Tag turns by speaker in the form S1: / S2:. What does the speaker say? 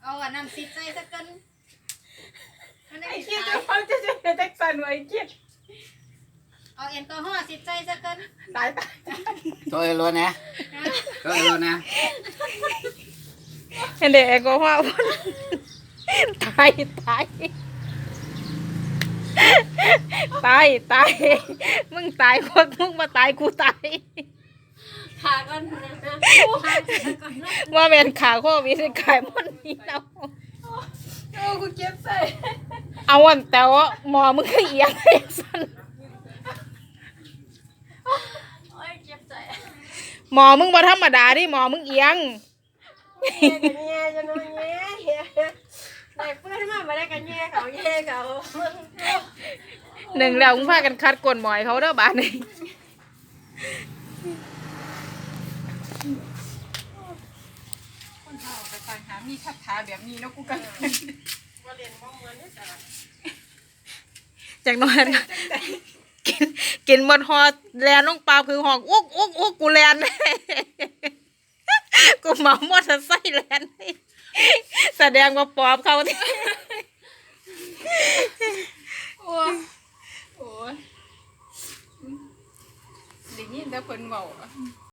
S1: เอาอันน้ำซิดใส่สักกัน
S2: ไอ้เกียจะฟังจะเป็นแท็กซันไว้เกีย
S1: เอาแอลกอฮอล์ซิดใส่สักกัน
S2: ตาย
S3: ตัวเอโลนะตัวเอโลนะ
S4: เห็นเด็กก็ว่าตายมึงตายคนมึงมาตายกูตาย
S1: ขาก่อนนะ
S4: ว่าเป็นขาโควิดขายมันนี่เอา
S2: โอ้กูเก็บใส่
S4: เอาอันแต่ว่าหมอมึงก็เอียงไอ้สัน
S1: โอ้ยเจ็บใจ
S4: หมอมึงบ่ธรรมดาดิหมอมึงเอียง
S2: กันแย่จะนอนแย่ได้เพื่อนมาได้กันแย่เขา
S4: หนึ่งแล้วมึงพากันคัดกลหมอยเขาเด้อบาดนี้
S2: คนเฒ่าไปต่างหามีคาถาแบบนี้เนาะกูกันว่าเรียนบ้องเงินได้จ้ะ
S4: จากน้อยกินหมดหอแลนลงปลาคือหอกอุ๊กกูแลนกูเมามอเตอร์ไซค์แลนแสดงว่าปอบเขาที่
S2: โอ้ยได้ยินแต่เพิ่นเว้า